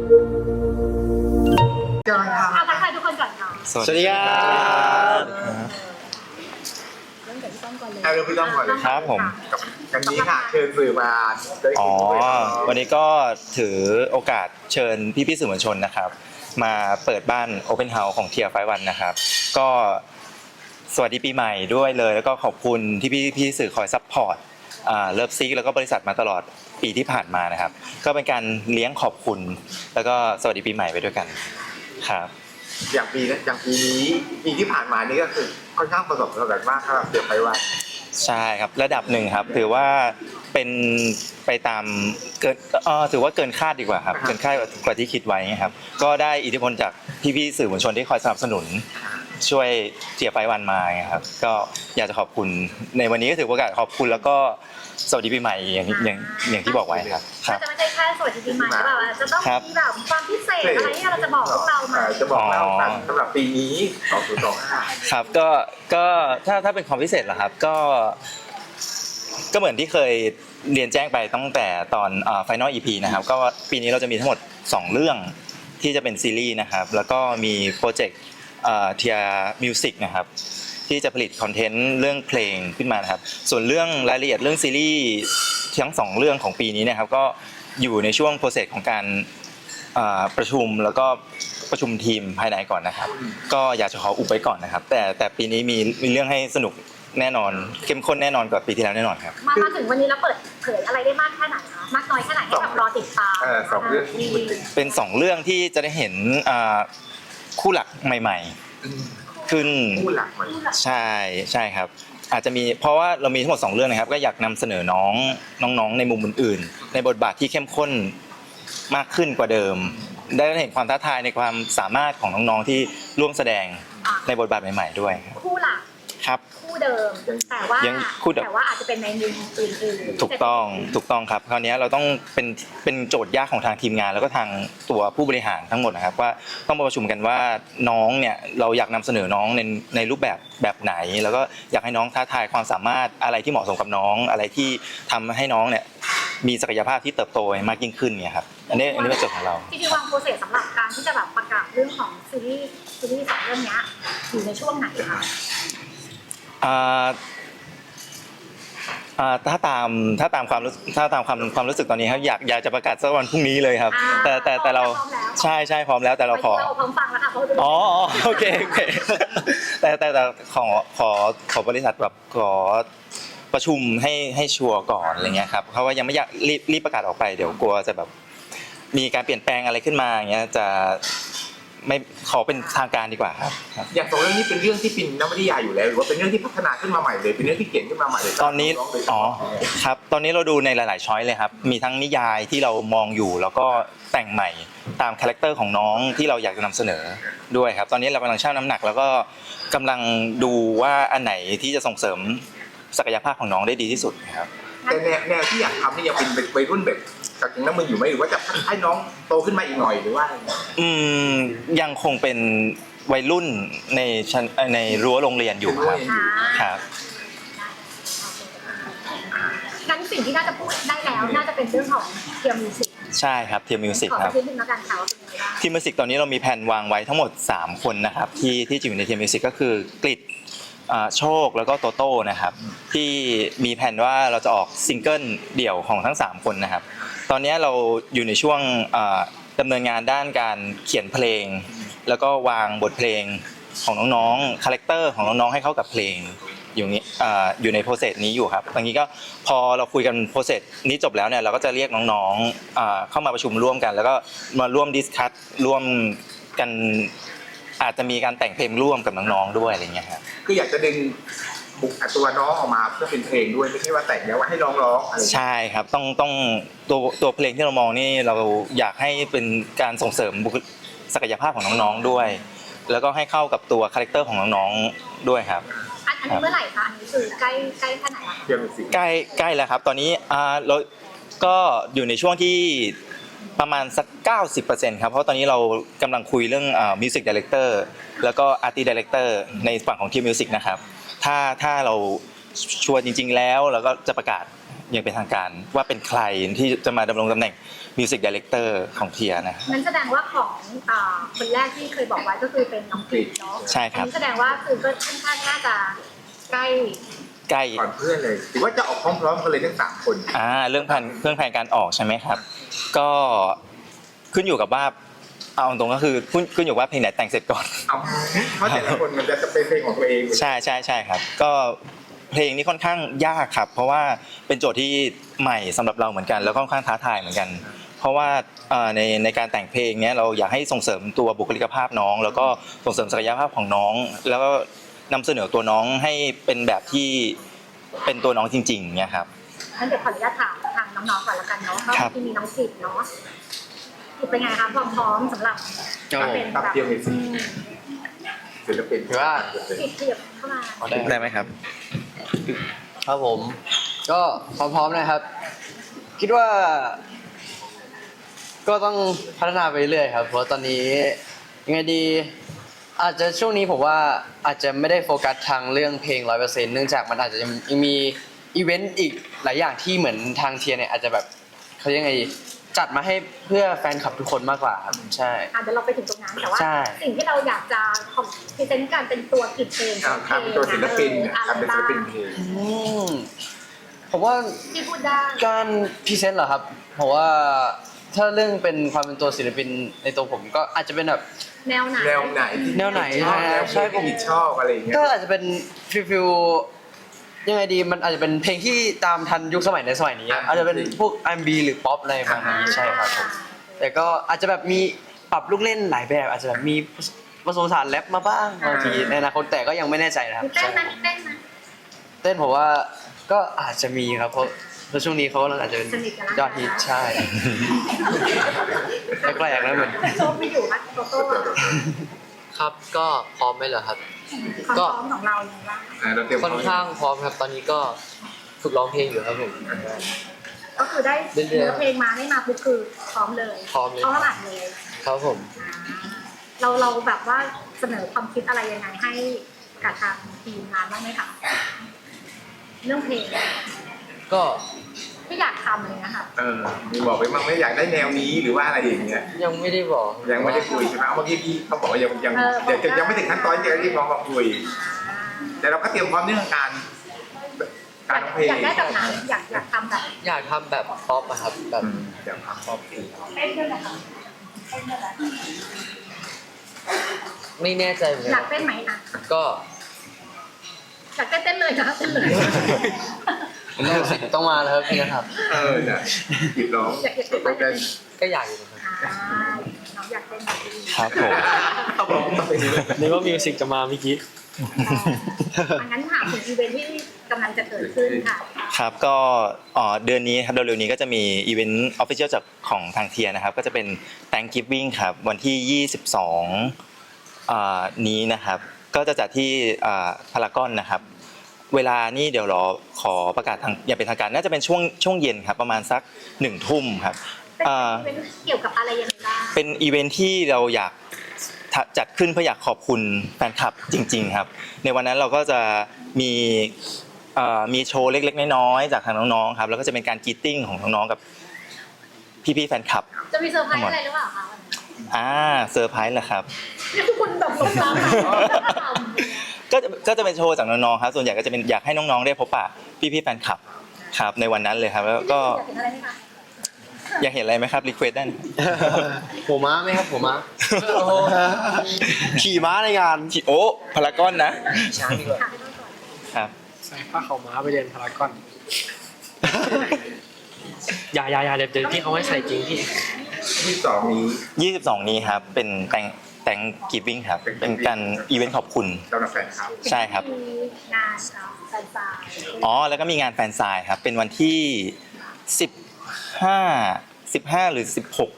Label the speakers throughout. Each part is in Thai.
Speaker 1: กำลังทำ
Speaker 2: ทักทายทุกคนก่อนค่ะ
Speaker 3: สวัสดีครับ
Speaker 2: เริ่มจากพี่ต้อมก่อนเลย
Speaker 1: เริ่มพี่ต้อมก่อนเลย
Speaker 3: ครับผม
Speaker 1: กันนี้ค่ะเชิญสื่อมาได้
Speaker 3: อ๋อ
Speaker 1: คุยกับ
Speaker 3: วันนี้ก็ถือโอกาสเชิญพี่ๆสื่อมวลชนนะครับ มาเปิดบ้าน Open House ของ Tier 51นะครับ ก็สวัสดีปีใหม่ด้วยเลย แล้วก็ขอบคุณที่พี่สื่อคอยซัพพอร์ตเลิฟซิกแล้วก็บริษัทมาตลอดปีที่ผ่านมานะครับ ก็เป็นการเลี้ยงขอบคุณ แล้วก็สวัสดีปีใหม่ไปด้วยกันครับ
Speaker 1: อย่างปีนี้ปีที่ผ่านมานี่ก็คือค่อนข้างประสบความสำเร็จมากครับเดี๋ยวไปว่า
Speaker 3: ใช่ครับระดับหนึ่งครับถือว่าเป็นไปตามเกินถือว่าเกินคาดดีกว่าครับเกินคาดกว่าที่คิดไว้ครับก็ได้อิทธิพลจากพี่ๆสื่อมวลชนที่คอยสนับสนุนช่วยเจียไฟวันมาครับก็อยากจะขอบคุณในวันนี้ก็ถือโอกาสขอบคุณแล้วก็สวัสดีปีใหม่อย่างที่บอกไว้ครับครับ
Speaker 2: จะไม่ใช่แค่สวัสดีปีใหม่หรือเปล่าจะต้องมีแบบความพิเศษอะไรที่เราจะบอกพวกเราไหม
Speaker 1: จะบอกเล่ากันสำหรับปีนี้2025
Speaker 3: ครับก็ถ้าเป็นความพิเศษเหรอครับก็เหมือนที่เคยเรียนแจ้งไปตั้งแต่ตอนFinal EP นะครับก็ปีนี้เราจะมีทั้งหมด2เรื่องที่จะเป็นซีรีส์นะครับแล้วก็มีโปรเจกต์Tier Music นะครับที่จะผลิตคอนเทนต์เรื่องเพลงขึ้นมานะครับส่วนเรื่องรายละเอียดเรื่องซีรีส์ทั้ง2เรื่องของปีนี้นะครับก็อยู่ในช่วงโปรเซสของการประชุมแล้วก็ประชุมทีมภายในก่อนนะครับก็อยากจะขออุบไว้ก่อนนะครับแต่ปีนี้มีเรื่องให้สนุกแน่นอนเข้มข้นแน่นอนกว่าปีที่แล้วแน่นอนครับ
Speaker 2: มาถึงวันนี้แล้วเปิดเผยอะไรได้มากแค่ไหนคะมากน้อยแค่ไหนให้แบบรอติดตาม
Speaker 1: 2เรื่องที่
Speaker 3: เป็น2เรื่องที่จะได้เห็นคู่หลักใหม่ๆขึ้น
Speaker 1: คู่หลักใหม่
Speaker 3: ใช่ครับอาจจะมีเพราะว่าเรามีทั้งหมด2เรื่องนะครับก็อยากนำเสนอน้องๆในมุมอื่นๆในบทบาทที่เข้มข้นมากขึ้นกว่าเดิมได้เห็นความท้าทายในความสามารถของน้องๆที่ร่วมแสดงในบทบาทใหม่ๆด้วย
Speaker 2: คู่หลัก
Speaker 3: ครับ
Speaker 2: คู่เดิมแต่ว่าอาจจะเป็นในมุมอื่นๆ
Speaker 3: ถูกต้องครับคราวนี้เราต้องเป็นโจทย์ยากของทางทีมงานแล้วก็ทางตัวผู้บริหารทั้งหมดนะครับว่าต้องมาประชุมกันว่าน้องเนี่ยเราอยากนำเสนอน้องในรูปแบบไหนแล้วก็อยากให้น้องท้าทายความสามารถอะไรที่เหมาะสมกับน้องอะไรที่ทำให้น้องเนี่ยมีศักยภาพที่เติบโตมากยิ่งขึ้นเนี่ยครับอันนี้เป็นโจทย์ของเรา
Speaker 2: จริงๆวางโปรเซสสำหรับการที่จะแบบประกาศเรื่องของซีรีส์2เรื่องนี้อยู่ในช่วงไหนคะ
Speaker 3: ถ้าตามความรู้สึกตอนนี้ครับอยากจะประกาศสักวันพรุ่งนี้เลยครับแต่เราใช่พร้อมแล้วแต่เราขอ
Speaker 2: พร้อมฟังแล้วค่ะ
Speaker 3: อ๋อโอเคแต่ขอบริษัทแบบขอประชุมให้ชัวร์ก่อนอะไรเงี้ยครับเพราะว่ายังไม่อยากรีบประกาศออกไปเดี๋ยวกลัวจะแบบมีการเปลี่ยนแปลงอะไรขึ้นมาอย่างเงี้ยจะไม่ขอเป็นทางการดีกว่าครับ
Speaker 1: อย่าง2เรื่องนี้เป็นเรื่องที่เป็นนวนิยายอยู่แล้วหรือว่าเป็นเรื่องที่พัฒนาขึ้นมาใหม่เลยเป็นเรื่องที่เขียนขึ้นมาใหม่เลย
Speaker 3: ตอนนี้ครับตอนนี้เราดูในหลายๆช้อยเลยครับมีทั้งนิยายที่เรามองอยู่แล้วก็แต่งใหม่ตามคาแรคเตอร์ของน้องที่เราอยากจะนำเสนอด้วยครับตอนนี้เรากำลังชั่งน้ำหนักแล้วก็กำลังดูว่าอันไหนที่จะส่งเสริมศักยภาพของน้องได้ดีที่สุดครับ
Speaker 1: แต่แนวที่อยากทำนี่ยังเป็นวัยรุ่นแบบจากนั้นมันอยู่ไหมหรือว่าจะให้น้องโตขึ้นมาอีกหน่อยหรือว่า
Speaker 3: ยังคงเป็นวัยรุ่นในรั้วโรงเรียนอยู่ครับ
Speaker 2: งั้นสิ่งที่น่าจะพูดได้แล้วน่าจะเป็นเรื่องของเทียร์มิวสิก
Speaker 3: ใช่ครับเทียร์มิวสิกครับ
Speaker 2: ขอนิดนึงแล้วกันค่ะว่าเป็นยังไงบ้าง
Speaker 3: ทีมมิวสิกตอนนี้เรามีแผนวางไว้ทั้งหมด3คนนะครับที่จะอยู่ในเทียร์มิวสิกก็คือกฤษโชคแล้วก็โตโต้นะครับที่มีแผนว่าเราจะออกซิงเกิลเดี่ยวของทั้ง3คนนะครับตอนนี้เราอยู่ในช่วงดำเนินงานด้านการเขียนเพลงแล้วก็วางบทเพลงของน้องๆคาแรคเตอร์ของน้องๆให้เข้ากับเพลงอยู่ในโปรเซสนี้อยู่ครับตอนนี้ก็พอเราคุยกันโปรเซสนี้จบแล้วเนี่ยเราก็จะเรียกน้องๆเข้ามาประชุมร่วมกันแล้วก็มาร่วมดิสคัสร่วมกันอาจจะมีการแต่งเพลงร่วมกับน้องๆด้วยอะไรเงี้ยครับ
Speaker 1: คืออยากจะดึงบุคตัวน้องออกมาเพื่อเป็นเพลงด้วยไม่ใช่ว่าแต่งแล้วว่าให้น้องร้องอะไร
Speaker 3: ใช่ครับต้องตัวเพลงที่เรามองนี่เราอยากให้เป็นการส่งเสริมศักยภาพของน้องๆด้วยแล้วก็ให้เข้ากับตัวคาแรคเตอร์ของน้องๆด้วยครับ
Speaker 2: อันนี้เมื่อไหร่คะอันนี้คือใกล้แค่ไหนคะ
Speaker 3: ใกล้แล้วครับตอนนี้เราก็อยู่ในช่วงที่ประมาณสัก 90% ครับเพราะตอนนี้เรากำลังคุยเรื่องMusic Director แล้วก็ Artist Director ในฝั่งของทีม Music นะครับถ้าเราชัวร์จริงๆแล้วเราก็จะประกาศอย่างเป็นทางการว่าเป็นใครที่จะมาดำรงตำแหน่งมิวสิกดีเรคเตอร์ของเทียนะ
Speaker 2: นั้นแสดงว่าของคนแรกที่เคยบอกไว้ก็คือเป็นน้องกรีดเนาะ
Speaker 3: ใช่ครับ
Speaker 2: อันนี้แสดงว่าคือก็ค่อนข้างน่าจะใกล้
Speaker 3: ใกล้
Speaker 1: ก่อนเพื่อนเลยหรือว่าจะออกพร้อมๆกันเลยทั้ง3 คน
Speaker 3: เรื่องแผนการออกใช่ไหมครับ ก็ขึ้นอยู่กับว่าเอาตรงก็คือขึ้นอยู่ว่าเพลงไหนแต่งเสร็จก่อน
Speaker 1: เอาเพราะแต่ละคนมันจะเป็นเพลงของตัวเอง
Speaker 3: ใช่ครับ ก็เพลงนี้ค่อนข้างยากครับ เพราะว่าเป็นโจทย์ที่ใหม่สำหรับเราเหมือนกัน แล้วก็ค่อนข้างท้าทายเหมือนกัน เพราะว่าในการแต่งเพลงเนี้ยเราอยากให้ส่งเสริมตัวบุคลิกภาพน้อง แล้วก็ส่งเสริมศักยภาพของน้อง แล้วก็นำเสนอตัวน้องให้เป็นแบบที่เป็นตัวน้องจริงๆเนี่ยครับ
Speaker 2: งั้นเดี๋ยวขออนุญาตถามทางน้องๆก่อนละกันเนาะเพราะ
Speaker 3: ครับ
Speaker 2: ที่มีน้องกรีดเนาะกรีดเป็นไงคะความพร้อมสำหรับเป็น
Speaker 1: ตับ
Speaker 2: แบบ
Speaker 1: เทียมมิวสิกศิลปิน
Speaker 4: ถือว่า
Speaker 2: กรีดเทียบเข้ามา
Speaker 3: ได้ไหมครับ
Speaker 4: ครับผมก็พร้อมๆนะครับ คิดว่า ก็ต้องพัฒนาไปเรื่อยครับ เพราะตอนนี้ยังไงดี อาจจะช่วงนี้ผมว่าอาจจะไม่ได้โฟกัสทางเรื่องเพลง 100%เนื่องจากมันอาจจะยังมีอีเวนต์อีกหลายอย่างที่เหมือนทางเทียเนี่ยอาจจะแบบเขาเรียกไงดีจัดมาให้เพื่อแฟนคลับทุกคนมากกว่าครับใช่
Speaker 2: เดี๋ยวเราไปถึงตรงนั้นแต่ว่า
Speaker 4: ใช่
Speaker 2: สิ่งที่เราอยากจะพรีเซนต์การเป็นตัวกรีดเพลง
Speaker 1: ทำตัวศิลปิน
Speaker 2: อะไร
Speaker 1: ทำเป็นศิ
Speaker 2: บ้า
Speaker 1: ล
Speaker 2: ง
Speaker 1: ปินเพลง
Speaker 4: ผมว่า
Speaker 2: ที่พูดได้
Speaker 4: การพรีเซนต์เหรอครับเพราะว่าถ้าเรื่องเป็นความเป็นตัวศิลปินในตัวผมก็อาจจะเป็นแบบ
Speaker 2: แนวไหน
Speaker 1: แนวไหนที่
Speaker 4: แนวไหน
Speaker 1: ชอบ
Speaker 4: นะ
Speaker 1: แนว
Speaker 4: ใช่
Speaker 1: ที่
Speaker 4: ผม
Speaker 1: ผิดชอบอะไรอย่างเงี้ย
Speaker 4: ก็อาจจะเป็นฟิลยังไงดีมันอาจจะเป็นเพลงที่ตามทันยุคสมัยในสมัยนี้อะอาจจะเป็นพวก R&B หรือป๊อปอะไรประมาณนี้ใช่ครับผมแต่ก็อาจจะแบบมีปรับลูกเล่นหลายแบบ อาจจะแบบมีผสมผสานแรปมาบ้างบางทีในอนาคตแต่ก็ยังไม่แน่ใจนะครับ
Speaker 2: มีเต้นไหมมีเต้นไหม
Speaker 4: เต้นผมว่าก็อาจจะมีครับเพราะช่วงนี้เขากำลังอาจจะเป็น
Speaker 2: สนิทกันแล้ว
Speaker 4: ยอดฮิตใช่แปลกๆแล้วเหมือน
Speaker 2: โชคไม่อยู่นะโตโต้อะ
Speaker 5: ครับก็พร้อมไหมเหรอครับ
Speaker 2: ความพร้อมของเราอย่างไรบ้าง
Speaker 1: เราเตรียม
Speaker 5: ค่อนข้างพร้อมครับ ตอนนี้ก็ฝึกร้องเพลงอยู่ครับผม
Speaker 2: ก็คือได้
Speaker 5: เรื่อยๆ
Speaker 2: เนื้อเพลงมาได้มาปุ๊บคือพร้อมเลย
Speaker 5: พร้อมเลย
Speaker 2: พร้อมอัดเลย
Speaker 5: ครับผม
Speaker 2: เราแบบว่าเสนอความคิดอะไรยังไงให้กับทางทีมงานบ้างไหมคะเรื่องเพลง
Speaker 5: ก็
Speaker 2: ที่อยากทำอะไรเงี้ยค่ะ
Speaker 1: มีบอกไปบ้างไม่อยากได้แนวนี้หรือว่าอะไรอย่างเงี้ย
Speaker 5: ยังไม่ได้บอก
Speaker 1: ยังไม่ได้คุยใช่ไหมเอาเมื่อกี้พี่เขาบอกว่ายังไม่ถึงขั้นตอนที่จะเรียกร้องมาคุย แต่เราก็เตรียมพร้อมเรื่องการร้องเพลง
Speaker 2: อยากได้แบบไหนอยากทำแบบ
Speaker 5: อยากทำแบบป๊อปอะครับแบบ
Speaker 1: เดี๋ยวพักพร้อมเพลง
Speaker 2: เต้นด้วยนะคะเต้นด้วยเหรอ
Speaker 5: ไม่แน่ใจเหมือน
Speaker 2: อ
Speaker 5: กั
Speaker 2: ยาก
Speaker 5: น
Speaker 2: เต้นไหมนะ
Speaker 5: ก็
Speaker 2: อยากเต้นเลยนะเต้นเลย
Speaker 4: ต้องมาแล้วครับพี่นะครับ
Speaker 1: เนี่ยผิดร้อง
Speaker 2: อยากเต้นไหม
Speaker 1: ต้องเต้น
Speaker 5: ก็อยากอยู่นะครับ
Speaker 2: น้องอยากเต้นแบบนี้
Speaker 3: ครับผม
Speaker 1: เขาบอกว่าเป็นอย่างนี้
Speaker 6: นึกว่ามิวสิกจะมาเมื่อกี้
Speaker 2: งั้นถามถึงอีเวนท์ที่กำลังจะเกิดขึ้นค่ะ
Speaker 3: ครับก็เดือนนี้ครับเร็วๆนี้ก็จะมีอีเวนต์ออฟฟิเชียลจากของทางเทียนะครับก็จะเป็น Thanksgiving ครับวันที่ 22นี้นะครับก็จะจัดที่พารากอนนะครับเวลานี่เดี๋ยวรอขอประกาศทางอย่างเป็นทางการน่าจะเป็นช่วงเย็นครับประมาณสัก1 ทุ่มครับ
Speaker 2: เป็นอีเวนท์เกี่ยวกับอะไรยังไงบ้าง
Speaker 3: เป็นอีเวนท์ที่เราอยากจัดขึ้นเพื่ออยากขอบคุณแฟนคลับจริงๆครับในวันนั้นเราก็จะมีโชว์เล็กๆน้อยๆจากทางน้องๆครับแล้วก็จะเป็นการกรีตติ้งของน้องๆกับพี่ๆแฟนคลับ
Speaker 2: จะมีเซอร์ไพรส์อะไรหรือเปล่าคะ
Speaker 3: เซอร์ไพรส์เหรอครับ
Speaker 2: นี่ทุกคนแบบหลงรัก
Speaker 3: ก็จะเป็นโชว์จากน้องๆครับส่วนใหญ่ก็จะเป็นอยากให้น้องๆได้พบปะพี่ๆแฟนคลับครับในวันนั้นเลยครับแล้วก็
Speaker 2: อยากเห็นอะไรไหมคะ
Speaker 3: อยากเห็นอะไรไหมครับรีเควสได้นะ
Speaker 4: หัวม้าไหมครับหัวม้า
Speaker 6: ขี่ม้าในงาน
Speaker 3: โอ้พารากอนนะ
Speaker 5: ช้างดีกว่า
Speaker 2: ถามให้ต้องก่อน
Speaker 3: ครับ
Speaker 6: ใส่ผ้าขาวม้าไปเดินพารากอน อย่าเดี๋ยวพี่เขาให้ใส่จริงพี่
Speaker 1: ที่สองนี้
Speaker 3: 22 นี้ครับเป็นแต่งกีวิ่งครับเป็นการอีเวนต์ขอบคุณ
Speaker 1: สำหรับแฟนคลับ
Speaker 3: ใช่ครับ
Speaker 2: มีงานแฟนซาย
Speaker 3: แล้วก็มีงานแฟนไซน์ครับเป็นวันที่15หรือ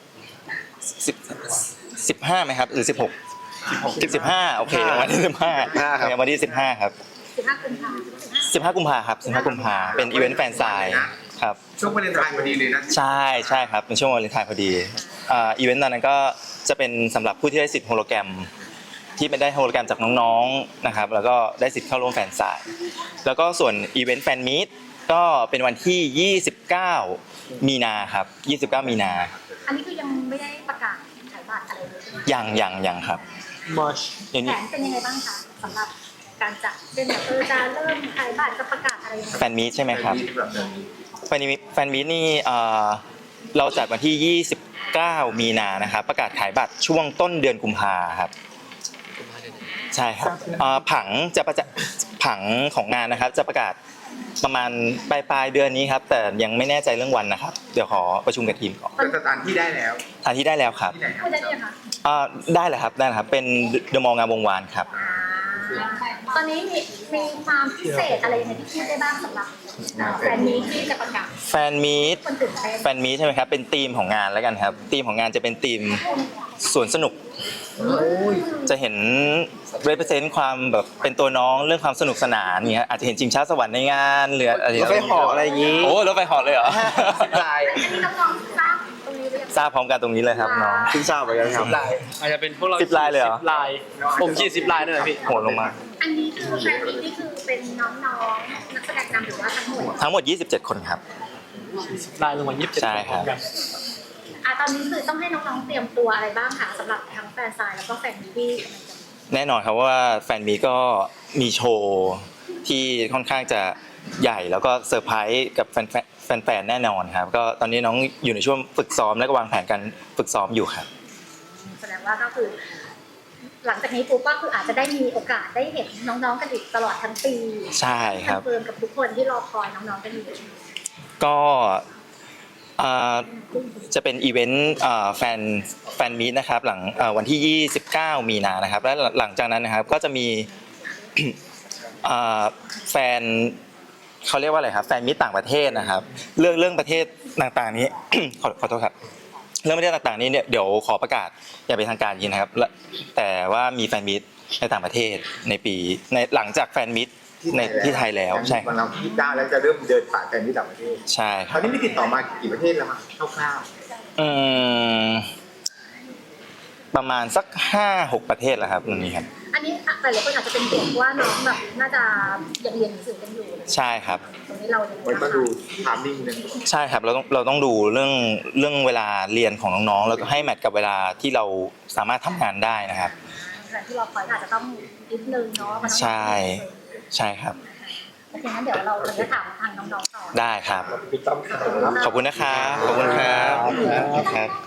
Speaker 3: 15ไหมครับหรือ15โอเควันที่15ครับวันที่15ครับ
Speaker 2: 15 กุมภาพันธ์
Speaker 3: 15 กุมภาเป็นอีเวนต์แฟนไซน์ครับ
Speaker 1: ช่วงวาเลนไทน์พอดีเลยนะ
Speaker 3: ใช่ครับเป็นช่วงวาเลนไทน์พอดีอีเวนต์ตอนนั้นก็จะเป็นสำหรับผู้ที่ได้สิทธิ์โฮโลแกรมที่เป็นได้โฮโลแกรมจากน้องๆนะครับแล้วก็ได้สิทธิ์เข้าร่วมแฟนไซน์แล้วก็ส่วนอีเวนต์แฟนมีตก็เป็นวันที่ 29 มีนาครับ 29 มีนา
Speaker 2: อันนี้คือยังไม่ได้ประกาศขายบัตรอะไรเลยใช่ไหม
Speaker 3: ยังครับ
Speaker 6: March
Speaker 3: อย่าง
Speaker 2: แผ
Speaker 3: นี้
Speaker 2: นเป็นยังไงบ้างคะสำหรับการจัดเป็นแบบจะเริ่มขายบัตรจะประกาศอะไรยังไง
Speaker 3: แฟนมีตใช่ไหมครับ แฟนมีตนี่เราจัดวันที่ 29 มีนานะครับ ประกาศขายบัตรช่วงต้นเดือนกุมภาครับ
Speaker 5: กุมภาพันธ์
Speaker 3: ใช่ครับผังของงานนะครับ จะประกาศประมาณปลายเดือนนี้ครับ แต่ยังไม่แน่ใจเรื่องวันนะครับ เดี๋ยวขอประชุมกับทีมก่อน
Speaker 1: แต่สถานที่ได้แล้ว
Speaker 3: ทานที่ได้แล้วครับ
Speaker 1: ที่ไหนครั
Speaker 2: พูดได้ยังคะ
Speaker 3: ได้เลยครับเป็นเดอะมอลล์งามวงวานครับ
Speaker 2: ตอนนี้มีความพิเศษอะไรยังไงที่พูดได้บ้างสำหรับแฟนมีที่จะประกาศ
Speaker 3: แฟนมีต
Speaker 2: คนตื่นเต้น
Speaker 3: แฟนมีตใช่ไหมครับ เป็นธีมของงานแล้วกันครับ ธีมของงานจะเป็นธีมสวนสนุก จะเห็น represent ความแบบเป็นตัวน้องเรื่องความสนุกสนานเงี้ยอาจจะเห็นชิงช้าสวรรค์ในงานหรืออะไร
Speaker 6: รถไฟเหาะอะไรอย่างงี้
Speaker 3: โอ้รถไฟเหาะเลยเหรอ
Speaker 2: อันนี้น้องๆทราบตรงนี้หรือยัง
Speaker 3: ทราบพร้อมกันตรงนี้เลยครับน้อง
Speaker 6: เพิ่งทราบเหมือนกันครับ อาจจะเป็นพวกเรา
Speaker 3: 10 ลายเลยเหรอ
Speaker 6: 10 ลาย ผมขี่10 ลายด้วยนะพี่
Speaker 3: โหดลงมา
Speaker 2: อันนี้คือแฟนมีนี่คือเป็นน้องๆนักแสดงนำหรือว่าทั้งหมด
Speaker 3: ทั้งหมด 27 คนครับ
Speaker 6: ลายลงมา27
Speaker 3: ใช่ครับ
Speaker 6: กัน
Speaker 2: ตอนนี้คือต้องให้น้องๆเตรียมตัวอะไรบ้างคะสำหรับทั้งแฟนซายแล้วก็แฟนมีที่กำลังจะมี
Speaker 3: แน่นอนครับว่าแฟนมีก็มีโชว์ที่ค่อนข้างจะใหญ่แล้วก็เซอร์ไพรส์กับแฟนๆแน่นอนครับก็ตอนนี้น้องอยู่ในช่วงฝึกซ้อมและก็วางแผนการฝึกซ้อมอยู่ครับ
Speaker 2: แสดงว่าก็คือ หลังจากนี้ปุ๊บก็คืออาจจะได้มีโอกาสได้เห็นน้องๆกันอีกตลอดทั้งปี
Speaker 3: ใช่ครับ
Speaker 2: คอนเฟิร์มกับทุกคนที่รอคอยน้องๆกันอยู่
Speaker 3: ก็จะเป็นอีเวนต์แฟนมีตนะครับหลังวันที่ 29 มีนานะครับและหลังจากนั้นนะครับก็จะมี แฟนเขาเรียกว่าอะไรครับแฟนมีตต่างประเทศนะครับเรื่องประเทศต่างๆนี้ ขอโทษครับเรื่องประเทศต่างๆนี้เนี่ยเดี๋ยวขอประกาศอย่างเป็นทางการยินนะครับแต่ว่ามีแฟนมีตในต่างประเทศในปีในหลังจากแฟนมีตในที่ไทยแล้วใช่
Speaker 1: วันเรา29แล้วจะเริ่มเดินสายแฟนที่ต่างประเทศ
Speaker 3: ใช่ค
Speaker 1: ต
Speaker 3: รั
Speaker 1: อบ นนี้มีติดต่อมากี่ประเทศแล้วมั้งคร่าว
Speaker 3: อืมประมาณสัก 5-6 ประเทศแล้วครับตรงนี้ครับ
Speaker 2: อันนี้หลายๆคนอาจจะเป็นห่วงว่าน้องแบบน่าจะยังเรียนหนังสือกันอยู่
Speaker 3: ใช่ครับ
Speaker 2: ตรงนี้เรายังไง
Speaker 1: ๆมัน
Speaker 2: บ้าง
Speaker 1: ต้อง
Speaker 2: คะ
Speaker 1: ดูไทามมิ่งนึง
Speaker 3: ใช่ครับเราต้องดูเรื่องเวลาเรียนของน้องๆแล้วก็ให้แมทกับเวลาที่เราสามารถทำงานได้นะครับ
Speaker 2: แต่ที่เราคอยอาจจะต้องนิดนึงเนาะมันต้อง
Speaker 3: ใช่ครับ
Speaker 2: โอเคงั้นเดี๋ยวเราจะถามทางน้องๆต่อ
Speaker 3: ได้ครับ
Speaker 1: พี่ต้อมครับ
Speaker 3: ขอบคุณนะครับขอบคุณครับครับ